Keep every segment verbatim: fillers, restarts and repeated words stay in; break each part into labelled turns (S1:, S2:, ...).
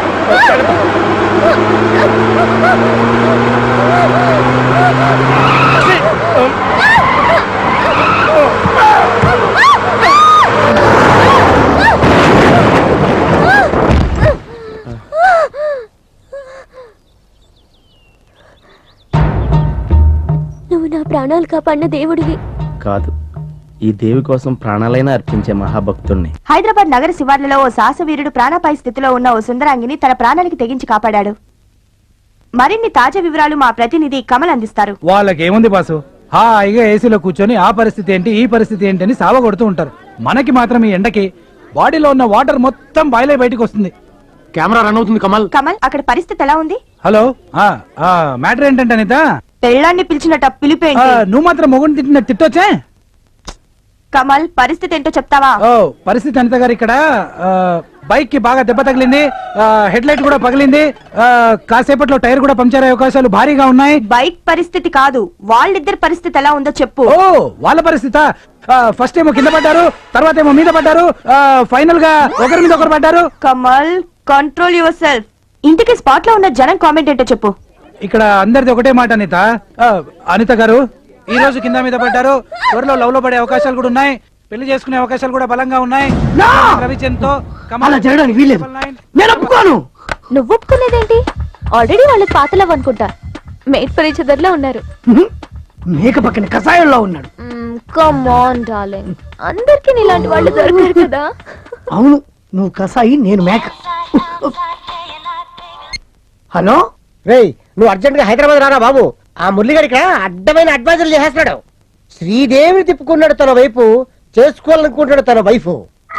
S1: నువ్వు నా ప్రాణాలు కాపాడిన దేవుడివి.
S2: కాదు, ఈ దేవి కోసం ప్రాణాలైనా అర్పించే మహాభక్తుణ్ణి.
S3: హైదరాబాద్ నగర శివార్లలో ఓ సాహసవీరుడు ప్రాణాపాయ స్థితిలో ఉన్న ఓ సుందరాంగిని తన ప్రాణానికి తెగించి కాపాడాడు. మరిన్ని తాజా వివరాలు మా ప్రతినిధి కమల్ అందిస్తారు.
S4: వాళ్ళకేముంది బాసు, హాయిగా ఏసీలో కూర్చొని ఆ పరిస్థితి ఏంటి ఈ పరిస్థితి ఏంటి అని సావ కొడుతూ ఉంటారు. మనకి మాత్రం ఈ ఎండకి బాడీలో ఉన్న వాటర్ మొత్తం బాయిలై బయటికి వస్తుంది.
S5: కెమెరా రన్ అవుతుంది కమల్.
S3: కమల్, అక్కడ పరిస్థితి ఎలా ఉంది?
S4: హలో, మ్యాటర్ ఏంటంటే అనిత,
S3: పెళ్ళాన్ని పిలిచినట్ట పిలిపేంటి?
S4: నువ్వు మాత్రం మొగుడిని తిట్టిన తిట్టొచ్చే.
S3: కమల్, పరిస్థితి ఏంటో చెప్తావా?
S4: ఓ పరిస్థితి అనిత గారు, ఇక్కడ బైక్ కి బాగా దెబ్బ తగిలింది, హెడ్ లైట్ కూడా పగిలింది, కాసేపట్లో టైర్ కూడా పంక్చర్ అయ్యే అవకాశాలు భారీగా ఉన్నాయి.
S3: బైక్ పరిస్థితి కాదు, వాళ్ళిద్దరి పరిస్థితి ఎలా ఉందో చెప్పు.
S4: ఓ వాళ్ళ పరిస్థితి, ఫస్ట్ ఏమో కింద పడ్డారు, తర్వాత ఏమో మీద పడ్డారు, ఫైనల్ గా ఒకరి మీద ఒకరు పడ్డారు.
S3: Kamal, control yourself. ఇంటికి స్పాట్ లో ఉన్న జనం కామెంట్ ఏంటో చెప్పు.
S4: ఇక్కడ అందరిది ఒకటే మాట అనిత. అనిత గారు ఈ రోజు కింద మీద పడ్డారు, త్వరలో లవ్ లో పడే అవకాశాలు కూడా ఉన్నాయి, పెళ్లి చేసుకునే అవకాశాలు కూడా బలంగా ఉన్నాయి. రవిచంద్తో
S5: అలా జరగడానికి వీల్లేదు, నేను ఒప్పుకోను.
S1: నువ్వు ఒప్పుకునేదేంటి? ఆల్రెడీ వాళ్ళకి పాతలవ్ అనుకుంటా, మేడ్ ఫర్ ఈచ్ అదర్ లో ఉన్నారు.
S5: మేక పక్కన కషాయంలో ఉన్నాడు.
S1: కమ్ ఆన్ డార్లింగ్, అందరికి నీలాంటి వాళ్ళు దొరకరు కదా.
S5: అవును, నువ్వు కసాయి, నేను మేక. హలో
S6: రేయ్, నువ్వు అర్జెంట్ గా హైదరాబాద్ రారా బాబు. ఆ మురళిగాడి ఇక్కడ అడ్డమైన అడ్వైజర్లు చేసేస్తున్నాడు. శ్రీదేవిని తిప్పుకున్నాడు తన వైపు, చేసుకోవాలనుకుంటాడు తన వైఫ్.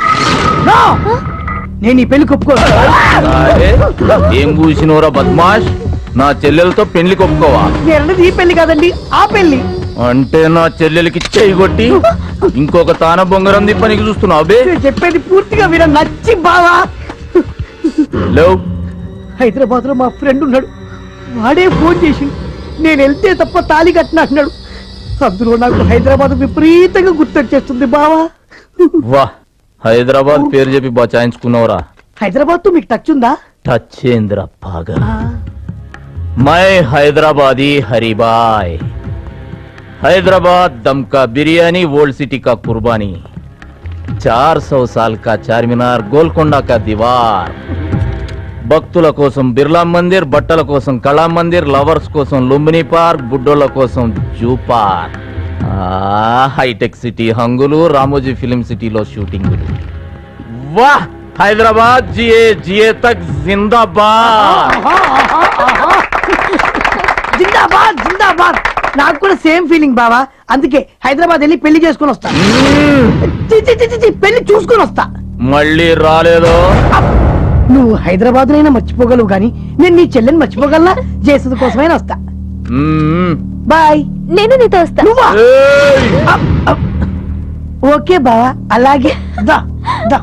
S5: నేను ఈ పెళ్లి ఒప్పుకోను.
S2: ఏం కూసినోరా బద్మాష్, నా చెల్లెలతో పెళ్లి కొప్పుకోవా?
S5: నేనన్నది ఈ పెళ్లి కాదండి, ఆ పెళ్లి.
S2: అంటే నా చెల్లెలకి చెయ్యి కొట్టి ఇంకొక తాన బొంగరం దిప్పనికి చూస్తున్నావు బే?
S5: చెప్పేది పూర్తిగా విన, నచ్చి బావా. హైదరాబాద్ లో మా ఫ్రెండ్ ఉన్నాడు, వాడే ఫోన్ చేసి నేను వెళ్తే తప్ప తాళి కట్టిన అన్నాడు. అందులో నాకు హైదరాబాద్ విపరీతంగా గుర్తొచ్చేస్తుంది బావా.
S2: వా, హైదరాబాద్ పేరు చెప్పి బచాయించుకున్నావురా.
S5: హైదరాబాద్ తో మీకు టచ్ ఉందా?
S2: టచ్ ఏంద్ర పాగల్. మై హైదరాబాదీ హరిబాయ్. हैदराबाद दम का बिरयानी, ओल्ड सिटी का कुर्बानी, चार सौ साल का चारमीनार, गोलकोंडा का दीवार, భక్తుల కోసం బిర్లా మందిర్, బట్టల కోసం కళా మందిర్, లవర్స్ కోసం లుంబిని పార్క్, బుడ్డోళ్ళ కోసం జూ పార్క్, హైటెక్ సిటీ హంగులు, రామోజీ ఫిలిం సిటీలో షూటింగులు. వాహ్, హైదరాబాద్ జియే జియే తక్ జిందాబాద్.
S5: జిందాబాద్ జిందాబాద్. నాకు కూడా సేమ్ ఫీలింగ్ బావా, అందుకే హైదరాబాద్ వెళ్ళి పెళ్లి చేసుకుని వస్తా. పెళ్లి చూసుకుని వస్తా.
S2: మళ్ళీ రాలేదో?
S5: నువ్వు హైదరాబాద్ నైనా మర్చిపోగలవు గాని నేను నీ చెల్లెని మర్చిపోగలనా? జేసద కోసమైనా వస్తా. బాయ్.
S1: నేను నీతో వస్తా.
S5: ఓకే బావా, అలాగే దా దా.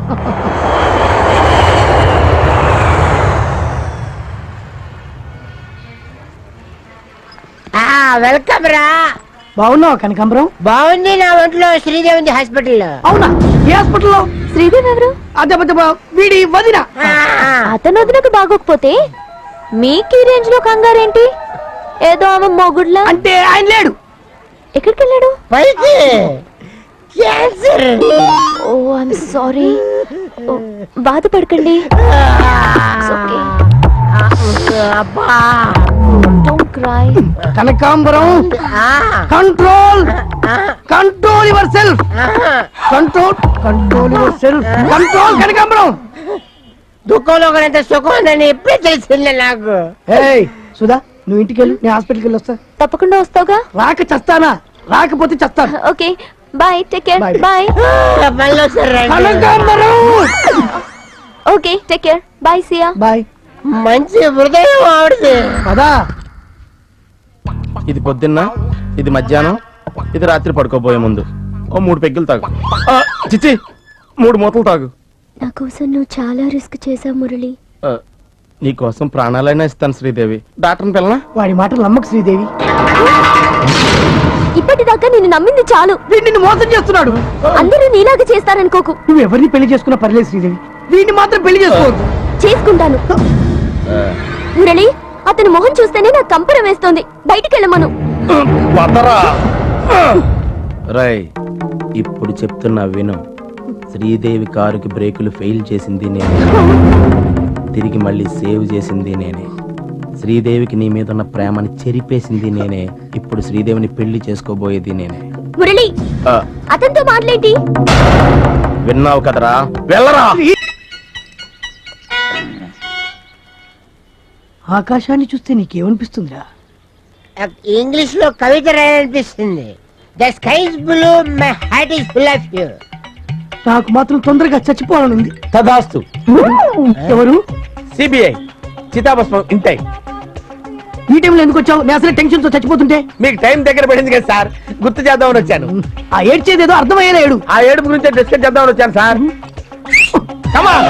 S6: వెల్కమ్ రా.
S5: బాగున్నావు కనకాంబరం?
S6: బాగుంది, నా ఒంట్లో శ్రీదేవి ఉంది హాస్పిటల్లో.
S5: అవునా, ఏ హాస్పిటల్లో?
S1: శ్రీదేవి ఎవరు?
S5: అదే వీడి వదిన.
S1: అతను వదినకు బాగోకపోతే మీకు ఈ రేంజ్ లో కంగారేంటి? ఏదో ఆమె మొగుడ్లా.
S5: అంటే ఆయన లేడు.
S1: ఎక్కడికి వెళ్ళాడు?
S6: పైకి. క్యాన్సర్.
S1: Oh I'm sorry. బాధపడకండి.
S6: అబ్బా,
S1: don't cry.
S5: Kanakambaram, control control yourself. Control control yourself. Control Kanakambaram.
S6: దుఃఖంలో ఎంత సుఖం ఉందని ఎప్పుడే తెలిసిందే నాకు.
S5: ఏయ్ సుధా, నువ్వు ఇంటికి వెళ్ళు, నేను హాస్పిటల్కి వెళ్ళి వస్తా.
S1: తప్పకుండా వస్తావుగా?
S5: రాక చస్తానా? రాకపోతే చస్తాను.
S1: Okay bye, take care. Bye.
S5: Kanakambaram.
S1: Okay take care. Bye see ya.
S5: Bye.
S6: మంచి హృదయం ఆవిడది.
S5: పదా.
S2: ఇది పొద్దున్న, ఇది మధ్యాహ్నం, ఇది రాత్రి పడుకోబోయే ముందు ఓ మూడు పెగ్గులు తాగు. చిచ్చి, మూడు మూతలు తాగు.
S1: నా కోసం నువ్వు చాలా రిస్క్ చేసావు మురళి.
S2: నీ కోసం ప్రాణాలైనా ఇస్తాను శ్రీదేవి. డాక్టర్ని పిల్లనా?
S5: వాడి మాటలు నమ్మకు శ్రీదేవి.
S1: ఇప్పటిదాకా నిన్ను నమ్మింది చాలు.
S5: నిన్ను మోసం చేస్తున్నాడు.
S1: అందరూ నీలాగా చేస్తారనుకోకు.
S5: నువ్వు ఎవరిని పెళ్లి చేసుకున్నా పర్లేదు శ్రీదేవి, వీడిని మాత్రం పెళ్లి చేసుకోవద్దు.
S1: చేసుకుంటాను. మురళి, అతని మొహం చూస్తేనే నాకు కంపరం వేస్తోంది. బయటికి వెళ్ళమను.
S2: రై ఇప్పుడు చెప్తున్నా విను. శ్రీదేవి కారుకి బ్రేకులు ఫెయిల్ చేసింది నేనే, తిరిగి మళ్ళీ సేవ్ చేసింది నేనే. శ్రీదేవికి నీ మీద ఉన్న ప్రేమని చెరిపేసింది నేనే. ఇప్పుడు శ్రీదేవిని పెళ్లి చేసుకోబోయేది నేనే.
S1: మురళి,
S2: ఆ,
S1: అతనితో మాట్లాడేంటి?
S2: విన్నావు కదరా, వెళ్ళరా.
S5: ఆకాశాన్ని చూస్తే నీకేమనిపిస్తుందిరా?
S6: ఇంగ్లీష్ లో కవిత రాయాలనిపిస్తుంది. The skies blue, my heart is full of you.
S5: నాకు మాత్రం తొందరగా చచ్చిపోవాలనుంది.
S2: తదాస్తు.
S5: ఎవరు?
S2: సిబిఐ చితాభస్మం ఇంటై.
S5: ఈ టైంలో ఎందుకు వచ్చావు? నేను అసలు టెన్షన్ తో చచ్చిపోతుంటే.
S2: మీకు టైం దగ్గర పడింది కదా సార్, గుర్తు చేద్దామని వచ్చాను.
S5: ఆ ఏడ్చేదేదో అర్థమయ్యేలా ఏడు.
S2: ఆ ఏడుపు గురించి డిస్కస్ చేద్దామని వచ్చాను సార్. Come on.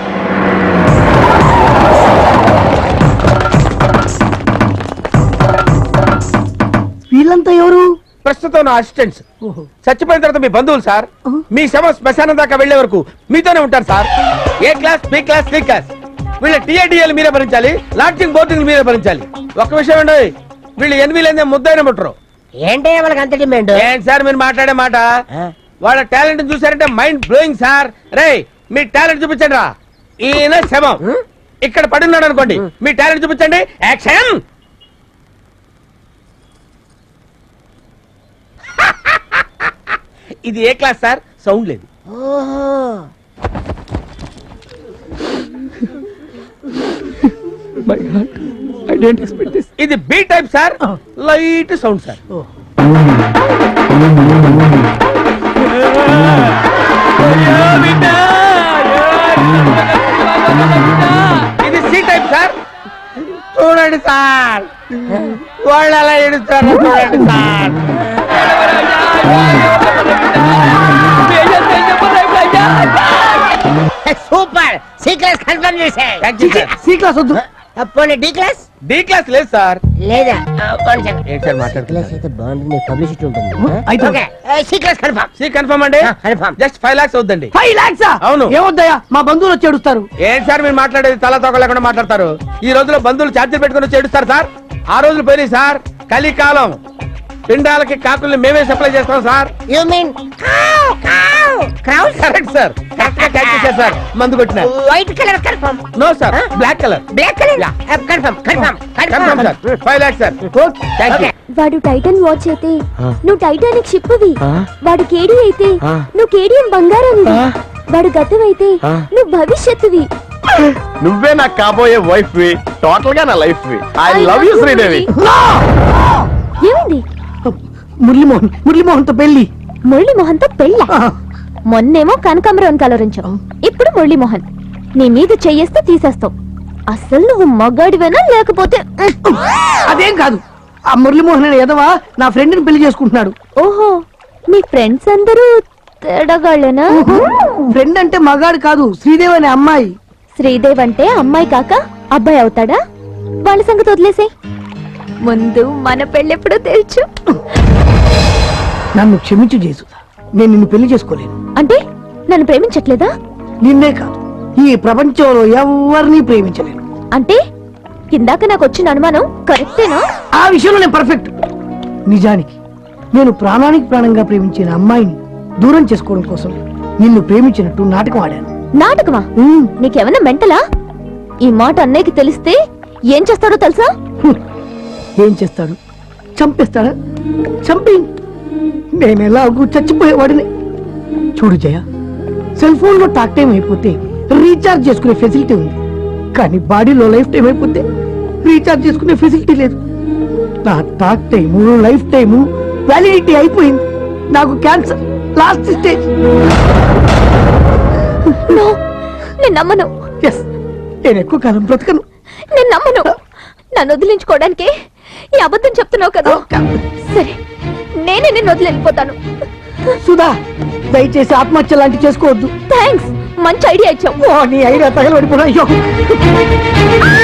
S5: వీళ్ళంతా ఎవరు?
S2: ప్రస్తుతం నా అసిస్టెంట్స్. చచ్చిపోయిన తర్వాత మీ బంధువులు సార్. మీ శవ శ్మశానం దాకా వెళ్లే వరకు మీతోనే ఉంటారు sir. A class, B class, C class. వీళ్ళ టీఏడిఎల్ మీరే భరించాలి, లాడ్జింగ్ బోర్డింగ్ మీరే భరించాలి. ఒక్క విషయం అండి, వీళ్ళు ఎనిమిది ముద్దైన ముట్టరు.
S6: ఏంటే వాళ్ళకి అంత డిమాండ్?
S2: ఏంటి సార్ మీరు మాట్లాడే మాట? వాళ్ళ టాలెంట్ చూసారంటే మైండ్ బ్లోయింగ్ సార్. రే మీ టాలెంట్ చూపించండి రా. ఈయన శవం ఇక్కడ పడున్నాడు అనుకోండి, మీ టాలెంట్ చూపించండి. యాక్షన్. ఇది ఏ క్లాస్ సార్? సౌండ్ లేదు. ఇది B type sir, light sound sir. ఇది సి టైప్ సార్. చూడండి సార్, వాళ్ళు అలా ఏడుస్తారు. చూడండి sir.
S6: Super. C class confirm చేసే.
S5: సి క్లాస్ వద్దు.
S6: పోనీ డి క్లాస్?
S2: డి క్లాస్ లేదు సార్.
S6: లేదా?
S2: ఏంటి సార్ మాట్లాడుతున్నారు?
S6: అయితే బాగుంటుంది, పబ్లిసిటీ ఉంటుంది.
S5: అయితే
S6: okay, C class confirm.
S2: C confirm అండి.
S6: కన్ఫర్మ్.
S2: జస్ట్ ఫైవ్ లాక్స్ అవుద్దండి.
S5: ఫైవ్ లాక్స్?
S2: అవును.
S5: ఏమొద్దయా, మా బంధువులు వచ్చి ఏడుస్తారు.
S2: ఏంటి సార్ మీరు మాట్లాడేది? తల తోక లేకుండా మాట్లాడతారు. ఈ రోజులో బంధువులు ఛార్జీలు పెట్టుకుని వచ్చి ఏడుస్తారు సార్. ఆ రోజులు పోయినాయి సార్. కలికాలం. పిండాలకి కాకుల్ని మేమే సప్లై చేస్తాం sir.
S6: You mean crowd?
S2: Correct sir, correct గా క్యాచ్ చేశారు సార్. మందు కొట్టిన.
S6: White colour confirm.
S2: No sir, black colour.
S6: Black colour confirm. Confirm.
S2: Confirm sir. Five lakhs sir. Thank you.
S1: వాడు టైటన్ వాచ్ అయితే నువ్వు టైటానిక్ షిప్ వి. వాడు కేడి అయితే నువ్వు కేడియం బంగారం. వాడు గతం అయితే నువ్వు భవిష్యత్తువి.
S2: నువ్వే నాకు కాబోయే వైఫ్ వి, టోటల్ గా నా లైఫ్ వి. I love you Sridevi.
S1: ఏమైంది?
S5: మురళీమోహన్, మురళీమోహన్ తో పెళ్లి.
S1: మురళీమోహన్ తో పెళ్ళ? మొన్నేమో కనకాంబరం కలరించావు, ఇప్పుడు మురళీమోహన్. నీ మీద చెయ్యేస్తే తీసేస్తావు. అసలు నువ్వు మగాడివేనా లేకపోతే?
S5: అదేం కాదు, ఆ మురళీమోహన్ అనే ఎదవా నా ఫ్రెండ్ ని పెళ్లి చేసుకుంటున్నాడు.
S1: ఓహో, మీ ఫ్రెండ్స్ అందరూ తేడగాళ్ళేనా?
S5: ఫ్రెండ్ అంటే మగాడు కాదు, శ్రీదేవి అనే అమ్మాయి.
S1: శ్రీదేవ్ అంటే అమ్మాయి కాక అబ్బాయి అవుతాడా? వాళ్ళ సంగతి వదిలేసే, ముందు మన పెళ్ళెప్పుడో తెలుసు.
S5: నన్ను క్షమించు చేసు, నేను నిన్ను పెళ్లి చేసుకోలేను.
S1: అంటే నన్ను ప్రేమించట్లేదా?
S5: నిన్నే కాదు, ఈ ప్రపంచంలో ఎవరిని ప్రేమించలేను.
S1: అంటే కిందాక నాకు వచ్చిన అనుమానం కరెక్టేనా?
S5: ఆ విషయంలో నేను పర్ఫెక్ట్. నిజానికి నేను ప్రాణానికి ప్రాణంగా ప్రేమించిన అమ్మాయిని దూరం చేసుకోవడం కోసం నిన్ను ప్రేమించినట్టు నాటకం ఆడాను.
S1: నాటకమా?
S5: ఉమ్,
S1: నీకేమన్నా మెంటలా? ఈ మాట అన్నయ్యకి తెలిస్తే ఏం చేస్తాడో తెలుసా?
S5: హ్మ్. ఏం చేస్తాడు? చంపేస్తాడా? చంపి నేను ఎలాగూ చచ్చిపోయేవాడిని. చూడు జయ, సెల్ ఫోన్ లో టాక్ టైం అయిపోతే రీఛార్జ్ చేసుకునే ఫెసిలిటీ ఉంది, కానీ బాడీలో లైఫ్ టైం అయిపోతే రీఛార్జ్ చేసుకునే ఫెసిలిటీ లేదు. నా talk time, life time validity అయిపోయింది. నాకు క్యాన్సర్ లాస్ట్ స్టేజ్.
S1: నో, నేను నమ్మను.
S5: ఎస్, నేను ఎక్కువ కాలం బ్రతకను.
S1: నేను నమ్మను. నన్ను వదిలించుకోవడానికి ఈ అబద్ధం చెప్తున్నావు కదా? సరే, నేనే నిన్ను వదిలి వెళ్ళిపోతాను.
S5: సుధా, దయచేసి ఆత్మహత్య లాంటి చేసుకోవద్దు.
S1: థ్యాంక్స్, మంచి ఐడియా ఇచ్చావు.
S5: ఓ, నీ ఐడియా తగలబడిపోయినా. అయ్యో